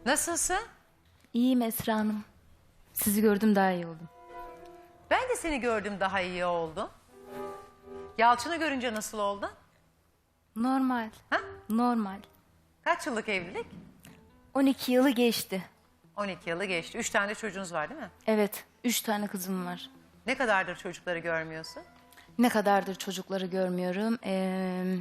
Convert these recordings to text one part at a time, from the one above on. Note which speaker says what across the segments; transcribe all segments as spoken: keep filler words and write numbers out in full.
Speaker 1: Nasılsın?
Speaker 2: İyiyim Esra Hanım. Sizi gördüm daha iyi oldum.
Speaker 1: Ben de seni gördüm, daha iyi oldum. Yalçın'ı görünce nasıl oldun?
Speaker 2: Normal.
Speaker 1: Ha?
Speaker 2: Normal.
Speaker 1: Kaç yıllık evlilik?
Speaker 2: on iki yılı geçti.
Speaker 1: on iki yılı geçti. Üç tane de çocuğunuz var değil mi?
Speaker 2: Evet. Üç tane kızım var.
Speaker 1: Ne kadardır çocukları görmüyorsun?
Speaker 2: Ne kadardır çocukları görmüyorum. Ee,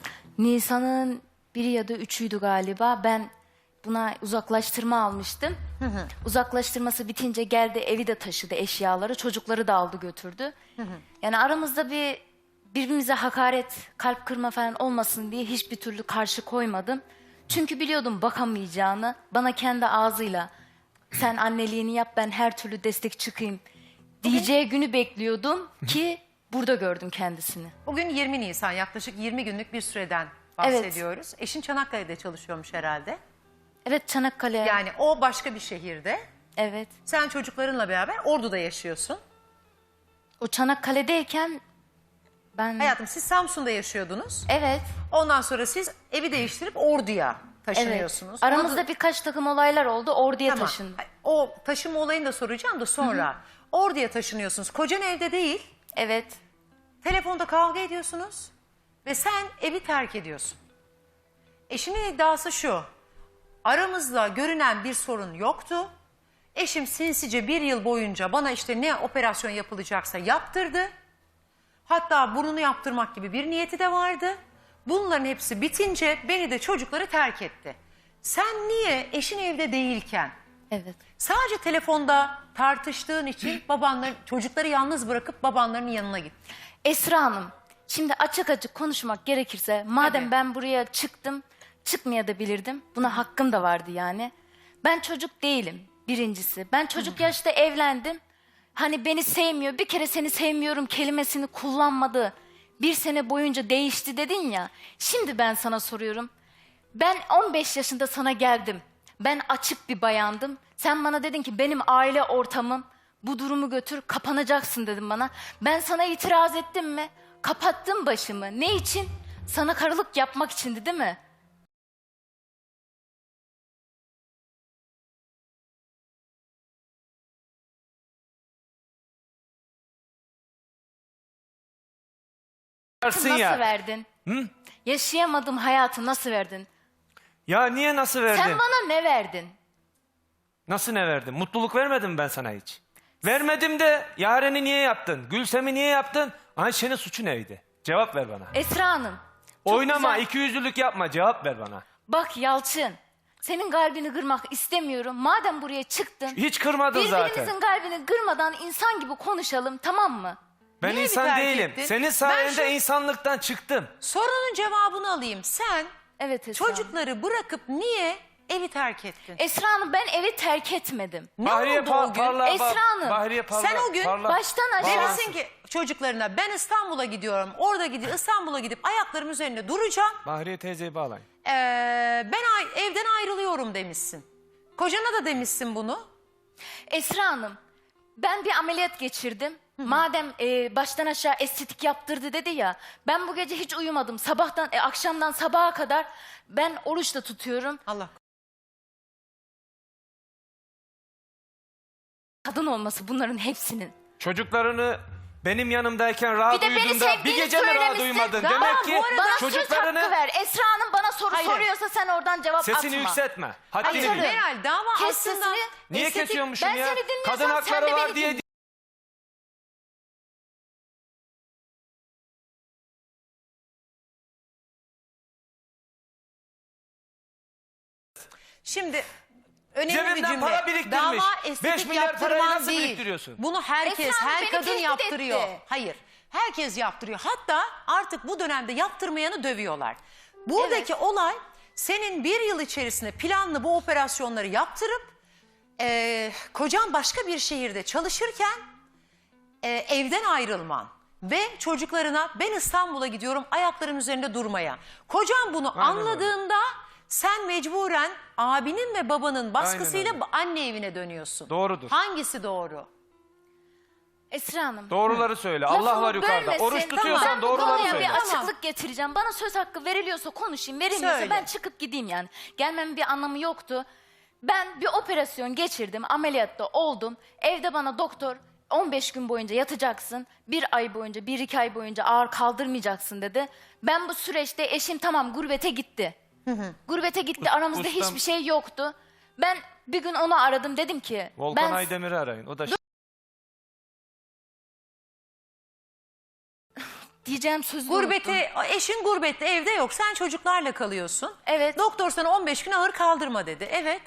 Speaker 2: Nisan'ın biri ya da üçüydü galiba. Ben buna uzaklaştırma almıştım. Hı hı. Uzaklaştırması bitince geldi, evi de taşıdı, eşyaları. Çocukları da aldı götürdü. Hı hı. Yani aramızda bir birbirimize hakaret, kalp kırma falan olmasın diye hiçbir türlü karşı koymadım. Çünkü biliyordum bakamayacağını. Bana kendi ağzıyla sen anneliğini yap, ben her türlü destek çıkayım diyeceği günü bekliyordum ki burada gördüm kendisini.
Speaker 1: Bugün yirmi Nisan, yaklaşık yirmi günlük bir süreden bahsediyoruz. Evet. Eşin Çanakkale'de çalışıyormuş herhalde.
Speaker 2: Evet, Çanakkale.
Speaker 1: Yani o başka bir şehirde.
Speaker 2: Evet.
Speaker 1: Sen çocuklarınla beraber Ordu'da yaşıyorsun.
Speaker 2: O Çanakkale'deyken ben...
Speaker 1: Hayatım, siz Samsun'da yaşıyordunuz.
Speaker 2: Evet.
Speaker 1: Ondan sonra siz evi değiştirip Ordu'ya taşınıyorsunuz.
Speaker 2: Evet. Aramızda
Speaker 1: Ordu...
Speaker 2: birkaç takım olaylar oldu. Ordu'ya
Speaker 1: Tamam.
Speaker 2: taşındım.
Speaker 1: O taşınma olayını da soracağım da sonra. Hı hı. Ordu'ya taşınıyorsunuz. Kocan evde değil.
Speaker 2: Evet.
Speaker 1: Telefonda kavga ediyorsunuz. Ve sen evi terk ediyorsun. Eşimin iddiası şu. Aramızda görünen bir sorun yoktu. Eşim sinsice bir yıl boyunca bana işte ne operasyon yapılacaksa yaptırdı. Hatta burnunu yaptırmak gibi bir niyeti de vardı. Bunların hepsi bitince beni de çocukları terk etti. Sen niye eşin evde değilken,
Speaker 2: Evet.
Speaker 1: sadece telefonda tartıştığın için babanların, çocukları yalnız bırakıp babanların yanına gittin?
Speaker 2: Esra Hanım, şimdi açık açık konuşmak gerekirse, madem
Speaker 1: Tabii.
Speaker 2: ben buraya çıktım, çıkmayabilirdim. Buna hakkım da vardı yani. Ben çocuk değilim birincisi. Ben çocuk yaşta evlendim. Hani beni sevmiyor, bir kere seni sevmiyorum kelimesini kullanmadı. Bir sene boyunca değişti dedin ya. Şimdi ben sana soruyorum. Ben on beş yaşında sana geldim. Ben açık bir bayandım. Sen bana dedin ki benim aile ortamım, bu durumu götür, kapanacaksın dedim bana. Ben sana itiraz ettim mi? Kapattım başımı. Ne için? Sana karılık yapmak içindi değil mi?
Speaker 3: Versin
Speaker 2: Nasıl
Speaker 3: ya.
Speaker 2: verdin?
Speaker 3: Hı?
Speaker 2: Yaşayamadığım hayatı nasıl verdin?
Speaker 3: Ya niye nasıl verdin?
Speaker 2: Sen bana ne verdin?
Speaker 3: Nasıl ne verdin? Mutluluk vermedim mi ben sana hiç? Vermedim de Yaren'i niye yaptın? Gülsem'i niye yaptın? Ayşe'nin suçu neydi? Cevap ver bana.
Speaker 2: Esra Hanım. çok
Speaker 3: Oynama,
Speaker 2: güzel.
Speaker 3: ikiyüzlülük yapma, cevap ver bana.
Speaker 2: Bak Yalçın, senin kalbini kırmak istemiyorum. Madem buraya çıktın,
Speaker 3: Hiç kırmadın zaten.
Speaker 2: birbirimizin kalbini kırmadan insan gibi konuşalım, tamam mı?
Speaker 3: Ben
Speaker 1: Niye
Speaker 3: insan
Speaker 1: bir terk
Speaker 3: değilim.
Speaker 1: ettin?
Speaker 3: Senin
Speaker 1: Ben
Speaker 3: sayende
Speaker 1: şu-
Speaker 3: insanlıktan çıktım.
Speaker 1: Sorunun cevabını alayım. Sen
Speaker 2: Evet Esra Hanım.
Speaker 1: çocukları bırakıp niye evi terk ettin?
Speaker 2: Esra Hanım, ben evi terk etmedim.
Speaker 1: Ne
Speaker 3: Bahriye
Speaker 1: oldu
Speaker 3: pa-
Speaker 1: o gün?
Speaker 3: parla-
Speaker 2: Esra
Speaker 3: ba-
Speaker 2: Hanım,
Speaker 3: Bahriye parla-
Speaker 1: sen o gün
Speaker 3: parla-
Speaker 2: baştan aşağı-
Speaker 3: bağlansın.
Speaker 1: Demesin ki çocuklarına ben İstanbul'a gidiyorum. Orada gidip İstanbul'a gidip ayaklarım üzerinde duracağım.
Speaker 3: Bahriye teyzeyi bağlayın.
Speaker 1: Ee, ben ay- evden ayrılıyorum demişsin. Kocana da demişsin bunu.
Speaker 2: Esra Hanım, ben bir ameliyat geçirdim. Madem e, baştan aşağı estetik yaptırdı dedi ya, ben bu gece hiç uyumadım. Sabahtan, e, akşamdan sabaha kadar ben oruç da tutuyorum.
Speaker 1: Allah.
Speaker 2: Kadın olması bunların hepsinin.
Speaker 3: Çocuklarını benim yanımdayken rahat
Speaker 2: Bir de beni
Speaker 3: uyudun da bir
Speaker 2: sevdiğini
Speaker 3: gece mi rahat
Speaker 2: söylemişsin.
Speaker 3: uyumadın?
Speaker 2: Ama
Speaker 3: Demek ki
Speaker 2: bu arada bana söz
Speaker 3: çocuklarını
Speaker 2: hakkı ver. Esra Hanım bana soru
Speaker 1: Hayır.
Speaker 2: soruyorsa sen oradan cevap
Speaker 3: sesini
Speaker 2: atma.
Speaker 3: yükseltme. Haddini
Speaker 2: Hayır.
Speaker 3: bil.
Speaker 1: Meral, dava
Speaker 2: Kes
Speaker 1: aslında...
Speaker 2: sesini.
Speaker 3: Niye
Speaker 1: estetik-
Speaker 3: kesiyormuşum
Speaker 2: ben
Speaker 3: ya?
Speaker 2: seni dinliyorsam
Speaker 3: Kadın
Speaker 2: sen
Speaker 3: hakları
Speaker 2: de
Speaker 3: var
Speaker 2: beni
Speaker 3: diye
Speaker 2: dinle.
Speaker 1: Şimdi önemli bir
Speaker 3: Cebinden
Speaker 1: cümle.
Speaker 3: para biriktirmiş.
Speaker 1: Dava
Speaker 3: Beş
Speaker 1: estetik
Speaker 3: milyar parayı
Speaker 1: yaptırman
Speaker 3: nasıl
Speaker 1: değil.
Speaker 3: biriktiriyorsun?
Speaker 1: Bunu herkes,
Speaker 2: Esra Hanım
Speaker 1: her
Speaker 2: beni
Speaker 1: kadın
Speaker 2: tehdit
Speaker 1: yaptırıyor.
Speaker 2: etti.
Speaker 1: Hayır. Herkes yaptırıyor. Hatta artık bu dönemde yaptırmayanı dövüyorlar. Buradaki olay senin bir yıl içerisinde planlı bu operasyonları yaptırıp e, kocan başka bir şehirde çalışırken e, evden ayrılman ve çocuklarına ben İstanbul'a gidiyorum ayaklarım üzerinde durmaya. Kocan bunu
Speaker 3: Aynen
Speaker 1: anladığında sen mecburen abinin ve babanın baskısıyla
Speaker 3: öyle.
Speaker 1: anne evine dönüyorsun.
Speaker 3: Doğrudur.
Speaker 1: Hangisi doğru?
Speaker 2: Esra Hanım.
Speaker 3: Doğruları söyle.
Speaker 2: lafımı
Speaker 3: Allah var yukarıda.
Speaker 2: bölmesin.
Speaker 3: Oruç tutuyorsan
Speaker 2: Ben bu
Speaker 3: doğruları
Speaker 2: konuya
Speaker 3: söyle.
Speaker 2: bir açıklık
Speaker 1: Tamam.
Speaker 2: getireceğim. Bana söz hakkı veriliyorsa konuşayım. Verilmiyorsa
Speaker 1: Söyle.
Speaker 2: ben çıkıp gideyim yani. Gelmemin bir anlamı yoktu. Ben bir operasyon geçirdim, ameliyatta oldum. Evde bana doktor on beş gün boyunca yatacaksın, bir ay boyunca, bir iki ay boyunca ağır kaldırmayacaksın dedi. Ben bu süreçte eşim tamam gurbete gitti. Gurbete gitti, aramızda
Speaker 3: ustam-
Speaker 2: hiçbir şey yoktu. Ben bir gün onu aradım, dedim ki...
Speaker 3: Volkan
Speaker 2: ben
Speaker 3: Aydemir'i arayın. O da
Speaker 2: diyeceğim sözü unuttum.
Speaker 1: Gurbete, eşin gurbette, evde yok. Sen çocuklarla kalıyorsun.
Speaker 2: Evet.
Speaker 1: Doktor sana on beş gün ağır kaldırma dedi. Evet.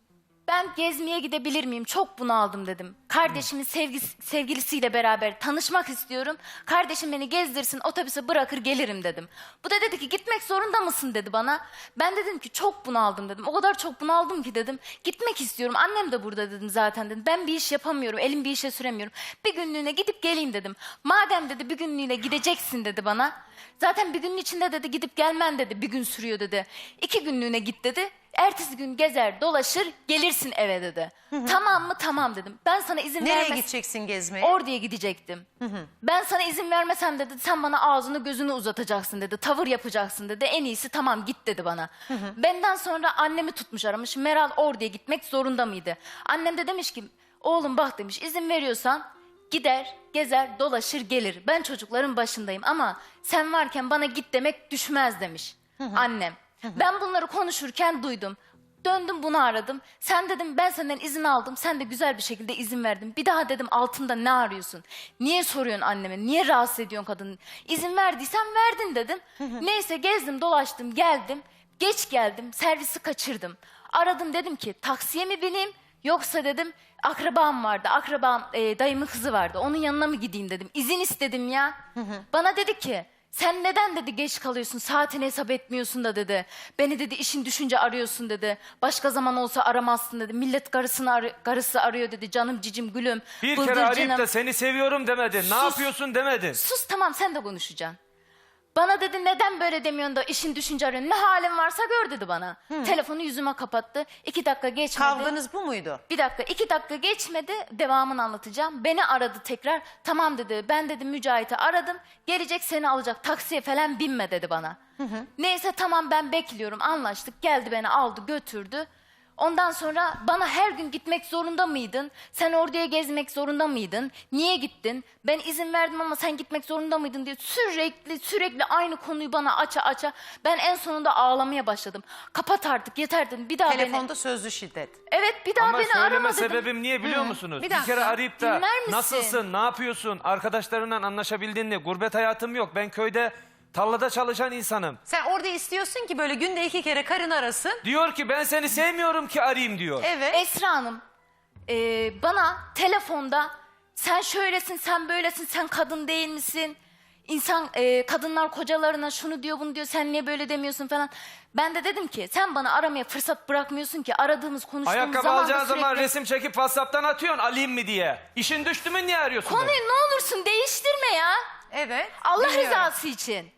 Speaker 2: Ben gezmeye gidebilir miyim? Çok bunaldım dedim. Kardeşimin sevgisi, sevgilisiyle beraber tanışmak istiyorum. Kardeşim beni gezdirsin, otobüse bırakır gelirim dedim. Bu da dedi ki gitmek zorunda mısın dedi bana. Ben dedim ki çok bunaldım dedim. O kadar çok bunaldım ki dedim. Gitmek istiyorum. Annem de burada dedim zaten dedim. Ben bir iş yapamıyorum. Elim bir işe süremiyorum. Bir günlüğüne gidip geleyim dedim. Madem dedi bir günlüğüne gideceksin dedi bana. Zaten bir günün içinde dedi gidip gelmen dedi. Bir gün sürüyor dedi. İki günlüğüne git dedi. Ertesi gün gezer dolaşır gelirsin eve dedi. Tamam mı? Tamam dedim. Ben sana izin
Speaker 1: Nereye
Speaker 2: vermez...
Speaker 1: gideceksin gezmeye?
Speaker 2: Ordu'ya gidecektim. Ben sana izin vermesem dedi sen bana ağzını gözünü uzatacaksın dedi. Tavır yapacaksın dedi. En iyisi tamam git dedi bana. Benden sonra annemi tutmuş aramış. Meral Ordu'ya gitmek zorunda mıydı? Annem de demiş ki oğlum bak demiş izin veriyorsan gider, gezer, dolaşır gelir. Ben çocukların başındayım ama sen varken bana git demek düşmez demiş annem. Ben bunları konuşurken duydum. Döndüm bunu aradım. Sen dedim ben senden izin aldım. Sen de güzel bir şekilde izin verdin. Bir daha dedim altında ne arıyorsun? Niye soruyorsun anneme? Niye rahatsız ediyorsun kadını? İzin verdiysen verdin dedim. Neyse gezdim dolaştım geldim. Geç geldim servisi kaçırdım. Aradım dedim ki taksiye mi bineyim? Yoksa dedim akrabam vardı. Akrabam e, dayımın kızı vardı. Onun yanına mı gideyim dedim. İzin istedim ya. Bana dedi ki sen neden dedi geç kalıyorsun, saatini hesap etmiyorsun da dedi. Beni dedi işin düşünce arıyorsun dedi. Başka zaman olsa aramazsın dedi. Millet karısını arı- karısı arıyor dedi. Canım cicim gülüm.
Speaker 3: bir kere
Speaker 2: bıldırcınım.
Speaker 3: arayıp da seni seviyorum demedin. Ne
Speaker 2: Sus.
Speaker 3: yapıyorsun demedin.
Speaker 2: Sus tamam sen de konuşacaksın. Bana dedi neden böyle demiyorsun da işin düşünce arıyorsun. Ne halin varsa gör dedi bana. Telefonu yüzüme kapattı. İki dakika geçmedi.
Speaker 1: Kavganız bu muydu?
Speaker 2: Bir dakika iki dakika geçmedi devamını anlatacağım. Beni aradı tekrar. Tamam dedi ben dedi Mücahit'i aradım. Gelecek seni alacak taksiye falan binme dedi bana. Neyse tamam ben bekliyorum anlaştık. Geldi beni aldı götürdü. Ondan sonra bana her gün gitmek zorunda mıydın? Sen orduya gezmek zorunda mıydın? Niye gittin? Ben izin verdim ama sen gitmek zorunda mıydın diye sürekli sürekli aynı konuyu bana aça aça. Ben en sonunda ağlamaya başladım. Kapat artık yeter dedim. Bir daha beni...
Speaker 1: Telefonda sözlü şiddet.
Speaker 2: Evet bir daha
Speaker 3: Ama
Speaker 2: beni arama
Speaker 3: söyleme
Speaker 2: dedim.
Speaker 3: sebebim niye biliyor musunuz?
Speaker 1: Bir
Speaker 3: Bir,
Speaker 1: dakika.
Speaker 3: kere arayıp da
Speaker 2: Dinler misin?
Speaker 3: nasılsın, ne yapıyorsun, arkadaşlarından anlaşabildin mi? Gurbet hayatım yok. Ben köyde tarlada çalışan insanım.
Speaker 1: Sen orada istiyorsun ki böyle günde iki kere karın arasın.
Speaker 3: Diyor ki ben seni sevmiyorum ki arayayım diyor.
Speaker 1: Evet.
Speaker 2: Esra Hanım e, bana telefonda sen şöylesin sen böylesin sen kadın değil misin? İnsan e, kadınlar kocalarına şunu diyor bunu diyor sen niye böyle demiyorsun falan. Ben de dedim ki sen bana aramaya fırsat bırakmıyorsun ki aradığımız konuştuğumuz
Speaker 3: Ayakkabı
Speaker 2: zaman da
Speaker 3: alacağın zaman
Speaker 2: sürekli-
Speaker 3: resim çekip WhatsApp'tan atıyorsun alayım mı diye. İşin düştü mü niye arıyorsun
Speaker 2: Konuyu
Speaker 3: beni?
Speaker 2: ne olursun değiştirme ya.
Speaker 1: Evet.
Speaker 2: Allah
Speaker 1: Dinliyorum.
Speaker 2: rızası için.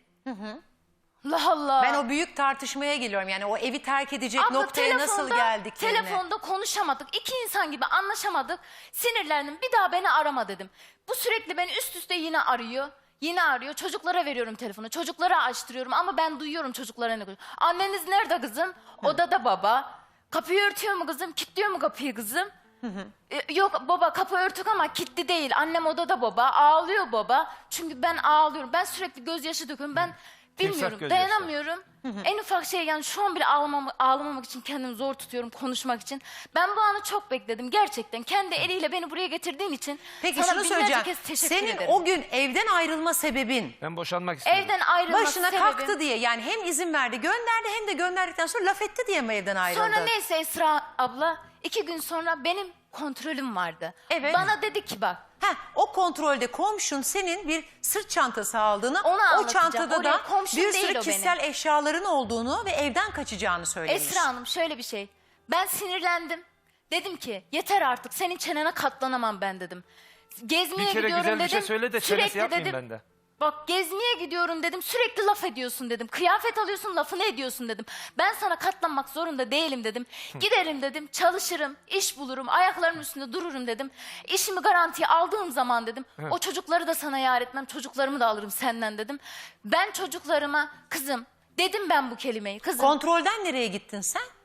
Speaker 2: Allah Allah.
Speaker 1: Ben o büyük tartışmaya geliyorum. Yani o evi terk edecek
Speaker 2: Abla,
Speaker 1: noktaya nasıl
Speaker 2: telefonda-
Speaker 1: geldiklerini.
Speaker 2: Telefonda konuşamadık. İki insan gibi anlaşamadık. Sinirlendim. Bir daha beni arama dedim. Bu sürekli beni üst üste yine arıyor. Yine arıyor. Çocuklara veriyorum telefonu. Çocuklara açtırıyorum ama ben duyuyorum çocuklara ne konuşuyor. Anneniz nerede kızım? Odada baba. Kapıyı örtüyor mu kızım? Kilitliyor mu kapıyı kızım? E, yok baba kapı örtük ama kilitli değil. Annem odada baba. Ağlıyor baba. Çünkü ben ağlıyorum. Ben sürekli gözyaşı döküyorum. Ben bilmiyorum.
Speaker 3: gözyaşı.
Speaker 2: Dayanamıyorum. En ufak şey yani şu an bile ağlamam, ağlamamak için kendimi zor tutuyorum konuşmak için. Ben bu anı çok bekledim. Gerçekten kendi eliyle beni buraya getirdiğin için
Speaker 1: Peki
Speaker 2: sana
Speaker 1: şunu
Speaker 2: binlerce
Speaker 1: söyleyeceğim.
Speaker 2: kez teşekkür
Speaker 1: Senin
Speaker 2: ederim.
Speaker 1: o gün evden ayrılma sebebin
Speaker 3: Ben boşanmak istiyorum.
Speaker 2: Evden ayrılma
Speaker 1: başına
Speaker 2: sebebim.
Speaker 1: kalktı diye, yani hem izin verdi gönderdi hem de gönderdikten sonra laf etti diye mi evden ayrıldı?
Speaker 2: Sonra neyse Esra abla iki gün sonra benim kontrolüm vardı.
Speaker 1: Evet.
Speaker 2: Bana dedi ki bak
Speaker 1: Heh, o kontrolde komşun senin bir sırt çantası aldığını,
Speaker 2: Onu
Speaker 1: o
Speaker 2: anlatacağım.
Speaker 1: çantada
Speaker 2: Oraya
Speaker 1: da
Speaker 2: komşun
Speaker 1: bir
Speaker 2: değil
Speaker 1: sürü
Speaker 2: o
Speaker 1: kişisel eşyaların olduğunu ve evden kaçacağını söylemiş.
Speaker 2: Esra Hanım şöyle bir şey. Ben sinirlendim. Dedim ki yeter artık senin çenene katlanamam ben dedim. Gezmeye
Speaker 3: Bir kere
Speaker 2: gidiyorum
Speaker 3: güzel
Speaker 2: dedim.
Speaker 3: bir şey söyle de çenesi
Speaker 2: Sürekli
Speaker 3: yapmayayım
Speaker 2: dedim,
Speaker 3: ben de.
Speaker 2: Bak gezmeye gidiyorum dedim. Sürekli laf ediyorsun dedim. Kıyafet alıyorsun lafını ediyorsun dedim. Ben sana katlanmak zorunda değilim dedim. Giderim dedim. Çalışırım. İş bulurum. Ayaklarımın üstünde dururum dedim. İşimi garantiye aldığım zaman dedim. O çocukları da sana yar etmem. Çocuklarımı da alırım senden dedim. Ben çocuklarıma kızım dedim ben bu kelimeyi. Kızım
Speaker 1: Kontrolden nereye gittin sen?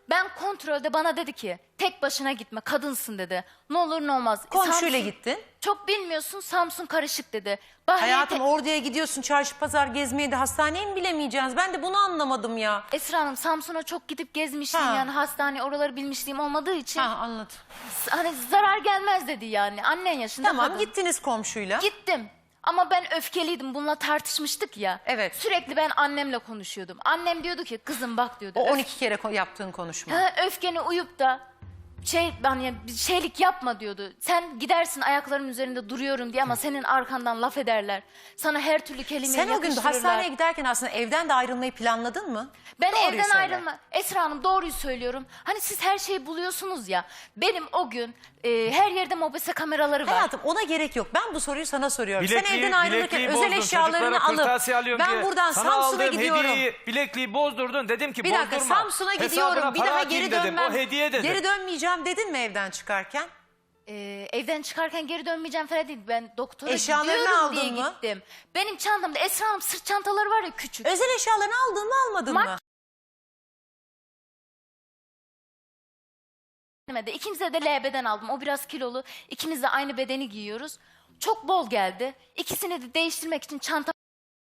Speaker 2: Ben kontrolde bana dedi ki tek başına gitme, kadınsın dedi. Ne olur ne olmaz.
Speaker 1: Komşuyla
Speaker 2: Samsun-
Speaker 1: gittin.
Speaker 2: Çok bilmiyorsun, Samsun karışık dedi. Bahriye
Speaker 1: Hayatım
Speaker 2: te-
Speaker 1: orduya gidiyorsun, çarşı pazar gezmeye de hastaneye mi bilemeyeceğiz? Ben de bunu anlamadım ya.
Speaker 2: Esra Hanım, Samsun'a çok gidip gezmiştim
Speaker 1: Ha.
Speaker 2: yani, hastane oraları bilmişliğim olmadığı için.
Speaker 1: Ha, anladım.
Speaker 2: Hani zarar gelmez dedi yani, annen yaşında
Speaker 1: Tamam,
Speaker 2: kadın.
Speaker 1: gittiniz komşuyla.
Speaker 2: Gittim. Ama ben öfkeliydim. Bununla tartışmıştık ya.
Speaker 1: Evet.
Speaker 2: Sürekli ben annemle konuşuyordum. Annem diyordu ki kızım bak diyordu.
Speaker 1: O
Speaker 2: öf-
Speaker 1: on iki kere ko- yaptığın konuşma.
Speaker 2: Ha, öfkeni uyup da şey hani bir şeylik yapma diyordu. Sen gidersin ayaklarım üzerinde duruyorum diye ama senin arkandan laf ederler. Sana her türlü kelimeyi
Speaker 1: Sen o gün
Speaker 2: yakıştırırlar.
Speaker 1: hastaneye giderken aslında evden de ayrılmayı planladın mı?
Speaker 2: Ben
Speaker 1: Doğruyu
Speaker 2: evden
Speaker 1: söyle.
Speaker 2: ayrılma. Esra Hanım, doğruyu söylüyorum. Hani siz her şeyi buluyorsunuz ya. Benim o gün e, her yerde mobese kameraları var.
Speaker 1: Hayatım ona gerek yok. Ben bu soruyu sana soruyorum. Sen
Speaker 3: Bilekliği-
Speaker 1: evden ayrılırken
Speaker 3: bilekliği
Speaker 1: özel
Speaker 3: bozdun,
Speaker 1: eşyalarını
Speaker 3: çocuklara
Speaker 1: alıp
Speaker 3: kırtasiye alıyorum
Speaker 1: ben
Speaker 3: diye
Speaker 1: buradan
Speaker 3: sana
Speaker 1: Samsun'a
Speaker 3: aldığım
Speaker 1: gidiyorum.
Speaker 3: hediyeyi, bilekliği bozdurdun. Dedim ki
Speaker 1: Bir dakika,
Speaker 3: bozdurma.
Speaker 1: Samsun'a
Speaker 3: Hesabına
Speaker 1: gidiyorum. Bir
Speaker 3: para
Speaker 1: daha
Speaker 3: atayım
Speaker 1: geri
Speaker 3: dedim.
Speaker 1: dönmem.
Speaker 3: O hediye dedim.
Speaker 1: Geri dönmeyeceğim dedin mi evden çıkarken?
Speaker 2: Ee, evden çıkarken geri dönmeyeceğim falan değil. Ben doktora
Speaker 1: Eşyalarını
Speaker 2: gidiyorum
Speaker 1: aldın
Speaker 2: diye
Speaker 1: mı?
Speaker 2: gittim. Benim çantamda Esra Hanım sırt çantaları var ya, küçük.
Speaker 1: Özel eşyalarını aldın mı almadın
Speaker 2: Mak-
Speaker 1: mı?
Speaker 2: De. İkimize de L B'den aldım. O biraz kilolu. İkimiz de aynı bedeni giyiyoruz. Çok bol geldi. İkisini de değiştirmek için çanta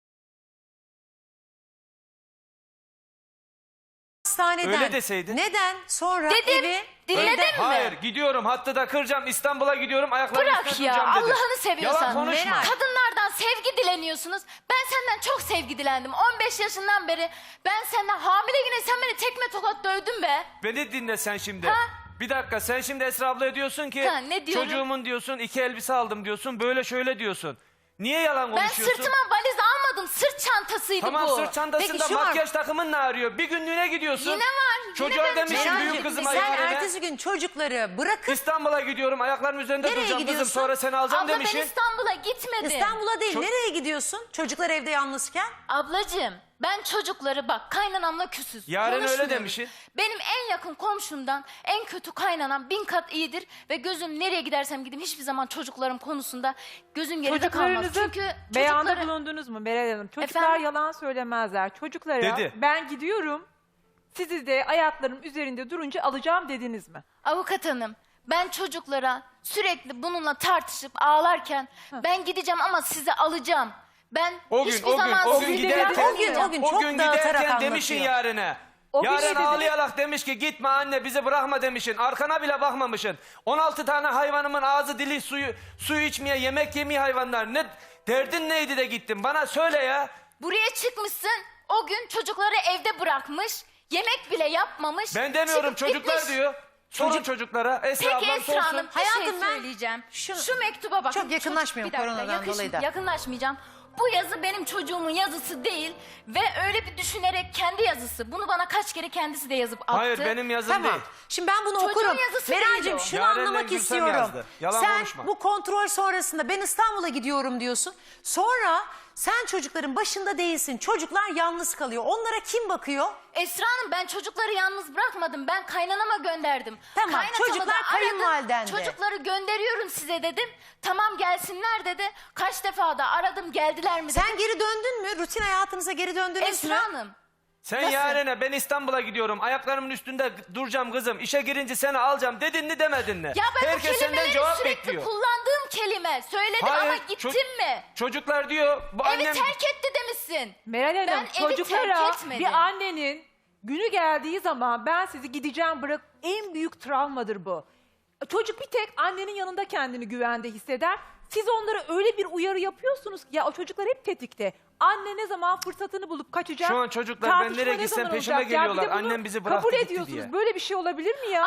Speaker 1: Hastaneden.
Speaker 3: Öyle deseydin.
Speaker 1: Neden? Sonra
Speaker 2: Dedim.
Speaker 1: evi...
Speaker 2: Dinledin
Speaker 1: evden-
Speaker 2: mi?
Speaker 3: Hayır, gidiyorum, hattı da kıracağım, İstanbul'a gidiyorum, ayaklarımı
Speaker 2: bırak
Speaker 3: üstüne
Speaker 2: ya.
Speaker 3: duracağım dedi.
Speaker 2: Allah'ını seviyorsan.
Speaker 3: Yalan konuşma.
Speaker 1: Meral.
Speaker 2: Kadınlardan sevgi dileniyorsunuz. Ben senden çok sevgi dilendim. on beş yaşından beri ben senden hamile yine sen beni tekme tokat dövdün be.
Speaker 3: Beni dinle sen şimdi.
Speaker 2: Ha?
Speaker 3: Bir dakika, sen şimdi Esra ablaya diyorsun ki
Speaker 2: Ha, ne diyorum?
Speaker 3: çocuğumun diyorsun iki elbise aldım diyorsun, böyle şöyle diyorsun. Niye yalan
Speaker 2: Ben
Speaker 3: konuşuyorsun?
Speaker 2: sırtıma valiz almadım. Sırt çantasıydı
Speaker 3: Tamam,
Speaker 2: bu.
Speaker 3: sırt çantasında
Speaker 1: Peki, şu var.
Speaker 3: makyaj takımın ne arıyor? Bir günlüğüne gidiyorsun.
Speaker 2: Yine var, yine
Speaker 3: Çocuğa
Speaker 2: benim
Speaker 3: demişsin
Speaker 2: Meral'cim,
Speaker 3: büyük kızıma
Speaker 1: Sen
Speaker 3: yarene.
Speaker 1: ertesi gün çocukları bırakıp
Speaker 3: İstanbul'a gidiyorum, ayaklarım üzerinde
Speaker 1: Nereye
Speaker 3: duracağım kızım,
Speaker 1: gidiyorsun?
Speaker 3: sonra seni alacağım
Speaker 2: Abla
Speaker 3: demişsin.
Speaker 2: ben İstanbul'a gitmedim.
Speaker 1: İstanbul'a değil
Speaker 3: Çok-
Speaker 1: nereye gidiyorsun? Çocuklar evde yalnızken.
Speaker 2: Ablacığım ben çocukları bak kaynanamla küsüz.
Speaker 3: Yarın öyle
Speaker 2: konuşmuyoruz.
Speaker 3: demişsin.
Speaker 2: Benim en yakın komşumdan en kötü kaynanam bin kat iyidir. Ve gözüm nereye gidersem gideyim hiçbir zaman çocuklarım konusunda gözüm geride kalmaz.
Speaker 4: Çocuklarınızı
Speaker 2: Çünkü
Speaker 4: beyanda
Speaker 2: çocukları...
Speaker 4: bulundunuz mu Meral Hanım? Çocuklar
Speaker 2: Efendim?
Speaker 4: yalan söylemezler. Çocuklara
Speaker 3: Dedi.
Speaker 4: ben gidiyorum, sizi de ayaklarım üzerinde durunca alacağım dediniz mi?
Speaker 2: Avukat hanım, ben çocuklara sürekli bununla tartışıp ağlarken ben gideceğim ama sizi alacağım. Ben
Speaker 3: O gün,
Speaker 2: hiçbir
Speaker 3: o gün,
Speaker 2: zaman
Speaker 3: o
Speaker 2: sizi
Speaker 3: gün
Speaker 4: sizi
Speaker 3: giderken,
Speaker 1: O gün, o gün
Speaker 3: o
Speaker 1: çok
Speaker 3: gün
Speaker 1: dağıtarak
Speaker 3: giderken demişsin
Speaker 1: anlatıyor.
Speaker 3: yarine.
Speaker 4: O gün ne
Speaker 3: Yaren
Speaker 4: dediniz?
Speaker 3: ağlayarak demiş ki gitme anne bizi bırakma demişsin. Arkana bile bakmamışsın. on altı tane hayvanımın ağzı dili suyu suyu içmeye yemek yemeye hayvanlar. Ne derdin neydi de gittin? Bana söyle ya.
Speaker 2: buraya çıkmışsın. O gün çocukları evde bırakmış. Yemek bile yapmamış.
Speaker 3: Ben demiyorum,
Speaker 2: çıkıp
Speaker 3: çocuklar
Speaker 2: gitmiş.
Speaker 3: diyor. Sorun
Speaker 1: Çocuk-
Speaker 3: çocuklara. Esra
Speaker 2: Peki
Speaker 3: ablam
Speaker 2: Esra
Speaker 3: sorsun.
Speaker 2: Hanım bir
Speaker 1: Hayatım
Speaker 2: şey
Speaker 1: ben
Speaker 2: söyleyeceğim.
Speaker 1: şunu-
Speaker 2: Şu mektuba bakın.
Speaker 1: Çok yakınlaşmıyorum
Speaker 2: Çocuk- bir dakika,
Speaker 1: koronadan
Speaker 2: yakış-
Speaker 1: dolayı da.
Speaker 2: Yakınlaşmayacağım. Bu yazı benim çocuğumun yazısı değil. Ve öyle bir düşünerek kendi yazısı. Bunu bana kaç kere kendisi de yazıp attı.
Speaker 3: Hayır benim yazım
Speaker 1: Tamam.
Speaker 3: değil.
Speaker 1: Şimdi ben bunu
Speaker 2: Çocuğun
Speaker 1: okurum.
Speaker 2: yazısı değil
Speaker 1: Meral'cim
Speaker 2: o.
Speaker 1: şunu
Speaker 3: Yaren'le
Speaker 1: anlamak
Speaker 3: Gülsem
Speaker 1: istiyorum.
Speaker 3: yazdı. Yalan
Speaker 1: Sen
Speaker 3: konuşma.
Speaker 1: bu kontrol sonrasında ben İstanbul'a gidiyorum diyorsun. Sonra sen çocukların başında değilsin. Çocuklar yalnız kalıyor. Onlara kim bakıyor?
Speaker 2: Esra Hanım ben çocukları yalnız bırakmadım. Ben kaynanama gönderdim.
Speaker 1: Tamam,
Speaker 2: Kaynatamı
Speaker 1: çocuklar
Speaker 2: da aradım.
Speaker 1: kayınvalidende.
Speaker 2: Çocukları gönderiyorum size dedim. Tamam gelsinler dedi. Kaç defa da aradım geldiler mi dedim.
Speaker 1: Sen geri döndün mü? Rutin hayatınıza geri döndünüz mü?
Speaker 2: Esra Hanım.
Speaker 3: Sen
Speaker 2: Nasıl?
Speaker 3: yarene ben İstanbul'a gidiyorum. Ayaklarımın üstünde duracağım kızım. İşe girince seni alacağım dedin mi demedin mi?
Speaker 2: Ya ben
Speaker 3: Herkes
Speaker 2: bu
Speaker 3: senden
Speaker 2: kelimeleri
Speaker 3: cevap
Speaker 2: sürekli
Speaker 3: bekliyor.
Speaker 2: kullandığım kelime. Söyledim
Speaker 3: Hayır,
Speaker 2: ama gittin
Speaker 3: ço-
Speaker 2: mi?
Speaker 3: Çocuklar diyor bu
Speaker 2: Evi
Speaker 3: annem...
Speaker 2: terk etti demişsin.
Speaker 4: Meral Hanım,
Speaker 2: Ben evi terk
Speaker 4: çocuklara
Speaker 2: etmedim.
Speaker 4: bir annenin günü geldiği zaman ben sizi gideceğim bırak, en büyük travmadır bu. Çocuk bir tek annenin yanında kendini güvende hisseder. Siz onlara öyle bir uyarı yapıyorsunuz ki ya o çocuklar hep tetikte. Anne ne zaman fırsatını bulup kaçacak?
Speaker 3: Şu an çocuklar ben
Speaker 4: tartışma
Speaker 3: nereye
Speaker 4: ne
Speaker 3: gitsem
Speaker 4: zaman
Speaker 3: peşime
Speaker 4: olacak? Ya bir de
Speaker 3: geliyorlar.
Speaker 4: bunu
Speaker 3: Annem bizi bıraktı
Speaker 4: kabul
Speaker 3: gitti
Speaker 4: ediyorsunuz.
Speaker 3: diye.
Speaker 4: Böyle bir şey olabilir mi ya?